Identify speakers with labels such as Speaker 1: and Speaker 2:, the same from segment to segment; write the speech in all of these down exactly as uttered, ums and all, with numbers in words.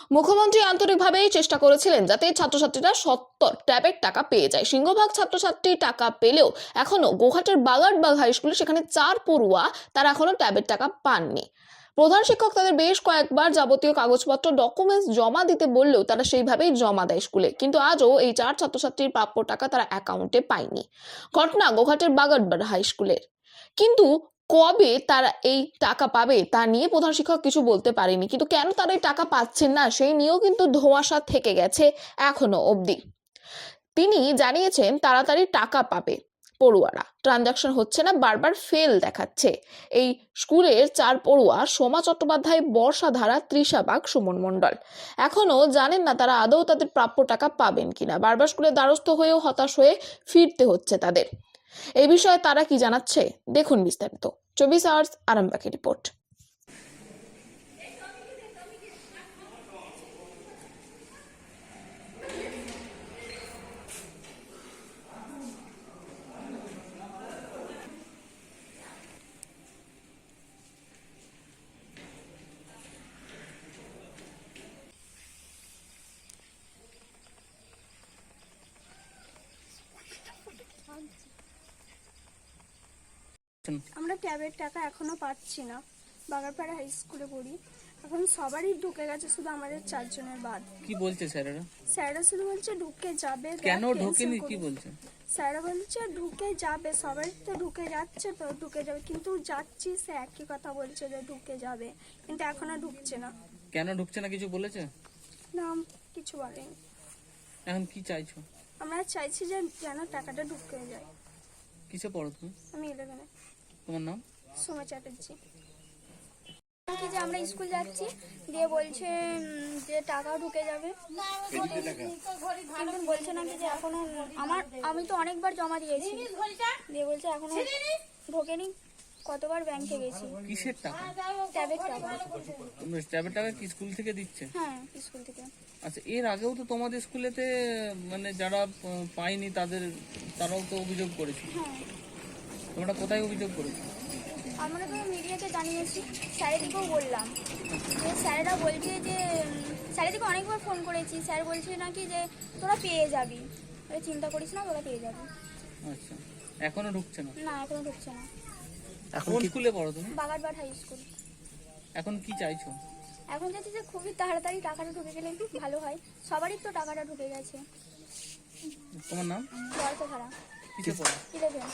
Speaker 1: মুখ্যমন্ত্রী আন্তরিকভাবেই চেষ্টা করেছিলেন যাতে ছাত্রছাত্রীরা সত্তর ট্যাবের টাকা পেয়ে যায়। সিংহভাগ ছাত্রছাত্রী টাকা পেলেও এখনো গোঘাটের বাগারবাগ হাই স্কুলে সেখানে চার পড়ুয়া তারা এখনো ট্যাবের টাকা পাননি। প্রধান শিক্ষক তাদের বেশ কয়েকবার যাবতীয় কাগজপত্র ডকুমেন্টস জমা দিতে বললেও তারা সেইভাবেই জমা দেয় স্কুলে, কিন্তু আজও এই চার ছাত্রছাত্রীর প্রাপ্য টাকা তারা অ্যাকাউন্টে পায়নি। ঘটনা গোঘাটের বাগারবাগ হাই স্কুলের। কিন্তু কবে তারা এই টাকা পাবে তা নিয়ে প্রধান শিক্ষক কিছু বলতে পারেনি, কিন্তু কেন তারা এই টাকা পাচ্ছেন না সেই নিয়েও কিন্তু ধোঁয়াশা থেকে গেছে এখনো অবধি। তিনি জানিয়েছেন তাড়াতাড়ি টাকা পাবে পড়ুয়ারা, ট্রানজাকশন হচ্ছে না, বারবার ফেল দেখাচ্ছে। এই স্কুলের চার পড়ুয়া সোমা চট্টোপাধ্যায়, বর্ষা ধারা, তৃষা বাগ, সুমন মণ্ডল এখনো জানেন না তারা আদৌ তাদের প্রাপ্য টাকা পাবেন কিনা। বারবার স্কুলের দ্বারস্থ হয়েও হতাশ হয়ে ফিরতে হচ্ছে তাদের। এই বিষয়ে তারা কি জানাচ্ছে দেখুন বিস্তারিত। চব্বিশ আওয়ার্স আরামবাগের রিপোর্ট।
Speaker 2: আমরা ট্যাবের টাকা এখনো পাচ্ছি না। বাগারপাড়া হাই স্কুলে পড়ি, এখন সবারই ঢুকে গেছে, শুধু আমাদের চারজনের বাদ।
Speaker 3: কি বলছে স্যারেরা?
Speaker 2: স্যাররা শুধু বলছে ঢুকে যাবে।
Speaker 3: কেন ঢোকেনি কি বলছে?
Speaker 2: স্যাররা বলছে ঢুকে যাবে, সবাই তো ঢুকে যাচ্ছে, তো ঢুকে যাবে, কিন্তু যাচ্ছি সে একই কথা বলছে যে ঢুকে যাবে, কিন্তু এখনো ঢুকছে না।
Speaker 3: কেন ঢুকছে না কিছু বলেছে?
Speaker 2: না, কিছু বলেনি।
Speaker 3: এখন কি চাইছো?
Speaker 2: আমরা চাইছি যে যেন টাকাটা ঢুকে যায়।
Speaker 3: কিসে পড়ো তুমি?
Speaker 2: আমি ইলেভেনে।
Speaker 3: তোমার নাম?
Speaker 2: সোমা চ্যাটার্জি। কি যে আমরা স্কুল যাচ্ছি দিয়ে বলছে যে টাকা ঢুকে যাবে, কিন্তু বলছে নাকি যে এখনো আমার আমি তো অনেকবার জমা দিয়েছি, দিয়ে বলছে এখনো ঢোকেনি। কতবার ব্যাংকে গেছি।
Speaker 3: কিসের টাকা?
Speaker 2: ট্যাবের টাকা।
Speaker 3: তোমরা ট্যাবের টাকা কি স্কুল থেকে দিচ্ছে?
Speaker 2: হ্যাঁ, স্কুল থেকে।
Speaker 3: আচ্ছা, এর আগেও তো তোমাদের স্কুলেতে মানে যারা পায়নি তাদের তারাও তো অভিযোগ করেছে।
Speaker 2: হ্যাঁ।
Speaker 3: তোমরা কোথায় অভিযোগ করেছো?
Speaker 2: আমরা তো মিডিয়াতে জানিয়েছি, স্যারেদিকেও বললাম। তো স্যারেরা বলছে যে স্যারেদিকে অনেকবার ফোন করেছি, স্যার বলছে নাকি যে তোরা পেয়ে যাবি, চিন্তা করিস না, তোরা পেয়ে যাবি।
Speaker 3: আচ্ছা, এখনো ঢুকছে না?
Speaker 2: না, এখনো ঢুকছে না।
Speaker 3: এখন স্কুলে পড়ো তুমি?
Speaker 2: Bagarbag high school.
Speaker 3: এখন কি চাইছো?
Speaker 2: এখন যাচ্ছি যে খুবই তাড়াতাড়ি টাকাটা ঢুকে গেলে একটু ভালো হয়, সবারই তো টাকাটা ঢুকে গেছে।
Speaker 3: তোমার নাম?
Speaker 2: বর্ষা ধারা।
Speaker 3: কিসে পড়ো?
Speaker 2: ইলেভেন।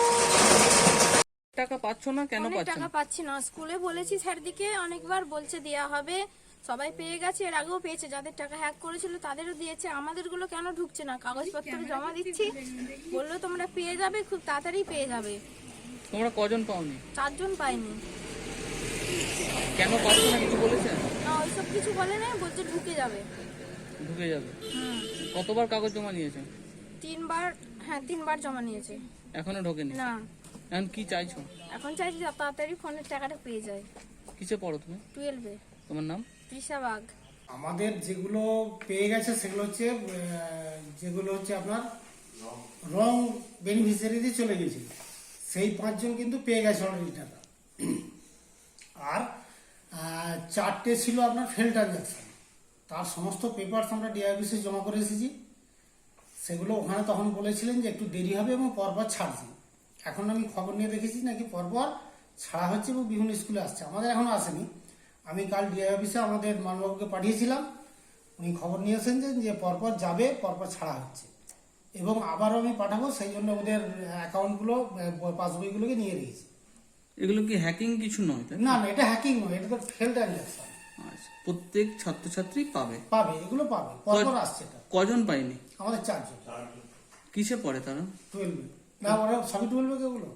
Speaker 3: টাকা পাচ্ছ না কেন? পাচ্ছ
Speaker 4: টাকা
Speaker 3: না?
Speaker 4: পাচ্ছি না। স্কুলে বলেছি স্যারদিকে, অনেকবার বলছে দেয়া হবে, সবাই পেয়ে গেছে, এর আগেও পেয়েছে, যাদের টাকা হ্যাক করেছিল তাদেরও দিয়েছে, আমাদেরগুলো কেন ঢুকছে না? কাগজপত্র জমা দিচ্ছি, বললো তোমরা পেয়ে যাবে, খুব তাড়াতাড়ি পেয়ে যাবে।
Speaker 3: তোমরা কজন পাওনি?
Speaker 4: চারজন পাইনি।
Speaker 3: কেন পাচ্ছ না কিছু বলেছে?
Speaker 4: না, ওইসব কিছু বলে না, বলছে ঢুকে যাবে।
Speaker 3: ঢুকে যাবে?
Speaker 4: হুম।
Speaker 3: কতবার কাগজ জমা নিয়েছে?
Speaker 4: তিনবার। হ্যাঁ, তিনবার জমা নিয়েছে।
Speaker 3: এখনো ঢোকেনি?
Speaker 4: না।
Speaker 3: এখন কি চাইছো?
Speaker 4: এখন চাইছি যে তাড়াতাড়ি ফোনের টাকাটা পেয়ে যায়।
Speaker 3: কিসে পড়ো তুমি?
Speaker 4: টুয়েলভে।
Speaker 3: তোমার নাম?
Speaker 4: তৃষা বাগ।
Speaker 5: আমাদের যেগুলো পেয়ে গেছে সেগুলো হচ্ছে আহ, যেগুলো হচ্ছে আপনার রং বেনিফিশিয়ারিতে চলে গেছে, সেই পাঁচজন কিন্তু পেয়ে গেছে অলরেডি টাকা। আর আহ, চারটে ছিল আপনার ফেল ট্রানজাকশন, তার সমস্ত পেপারস আমরা ডিআইবিসি জমা করে এসেছি। সেগুলো ওখানে তখন বলেছিলেন যে একটু দেরি হবে এবং পরপর ছাড়ছি। এখন আমি খবর নিয়ে দেখেছি নাকি পরপর ছাড়া হচ্ছে এবং বিভিন্ন স্কুলে আসছে, আমাদের এখনো আসেনি। আমি কাল ডিআই অফিসে আমাদের মানবাবুকে পাঠিয়েছিলাম, উনি খবর নিয়েছেন যে যে পরপর যাবে, পরপর ছাড়া হচ্ছে, এবং আবারও আমি পাঠাবো, সেই জন্য ওদের অ্যাকাউন্টগুলো পাসবইগুলোকে নিয়ে রেখেছি।
Speaker 3: এগুলো কি হ্যাকিং কিছু নয়? তাই
Speaker 5: না না, এটা হ্যাকিং নয়, এটা তো ফেল ট্রানজাকশন।
Speaker 3: আচ্ছা, প্রত্যেক ছাত্রছাত্রী পাবে?
Speaker 5: পাবে, এগুলো পাবে, পরপর আসছে। এটা
Speaker 3: কজন পায়নি?
Speaker 5: আমাদের চারজন।
Speaker 3: কিসে পড়ে তারা?
Speaker 5: টুয়েলভে। না, ওরা সবই টুয়েলভে। কেগুলো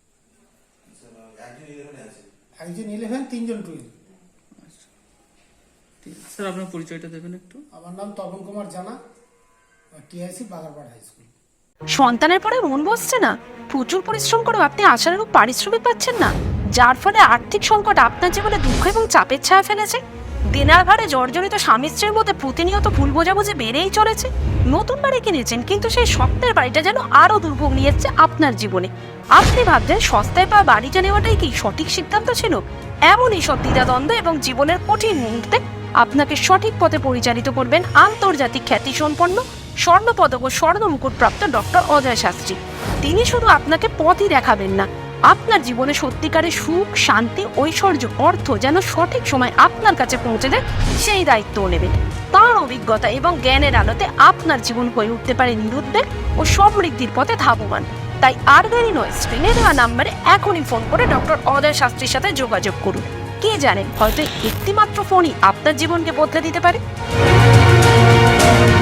Speaker 5: একজন ইলেভেন, তিনজন টুয়েলভ।
Speaker 3: স্যার, আপনার পরিচয়টা দেবেন একটু?
Speaker 5: আমার নাম তপন কুমার জানা, টিআইসি বাগারপাড় হাই স্কুল।
Speaker 6: সন্তানের পরে মন বসছে না, প্রচুর পরিশ্রম করেও আপনি আশানুরূপ পারিশ্রমিক পাচ্ছেন না, যার ফলে আর্থিক সংকট আপনার জীবনে দুঃখ এবং চাপের ছায়া ফেলেছে। দেনার ভারে জর্জরিত স্বামী স্ত্রীর মধ্যে প্রতিনিয়ত ভুল বোঝাবুঝি বেড়েই চলেছে। নতুন বাড়ি কিনেছেন, কিন্তু সেই স্বপ্নের বাড়িটা যেন আরো দুর্ভোগ নিয়ে এসেছে আপনার জীবনে। আপনি ভাবছেন সস্তায় পাওয়া বাড়িটা নেওয়াটাই কি সঠিক সিদ্ধান্ত ছিল? এমনই সব দ্বিধাদ্বন্দ্ব এবং জীবনের কঠিন মুহূর্তে আপনাকে সঠিক পথে পরিচালিত করবেন আন্তর্জাতিক খ্যাতিসম্পন্ন স্বর্ণপদক ও স্বর্ণ মুকুটপ্রাপ্ত ডক্টর অজয় শাস্ত্রী। তিনি শুধু আপনাকে পথই দেখাবেন না, আপনার জীবনে সত্যিকারের সুখ, শান্তি, ঐশ্বর্য, অর্থ যেন সঠিক সময় আপনার কাছে পৌঁছে দেয় সেই দায়িত্বও নেবেন। তাঁর অভিজ্ঞতা এবং জ্ঞানের আলোতে আপনার জীবন হয়ে উঠতে পারে নিরুদ্বেগ ও সমৃদ্ধির পথে ধাবমান। তাই আর দেরি নয়, স্ক্রিনে দেওয়া নাম্বারে এখনই ফোন করে ডক্টর অজয় শাস্ত্রীর সাথে যোগাযোগ করুন। কে জানেন, হয়তো একটি মাত্র ফোনই আপনার জীবনকে বদলে দিতে পারে।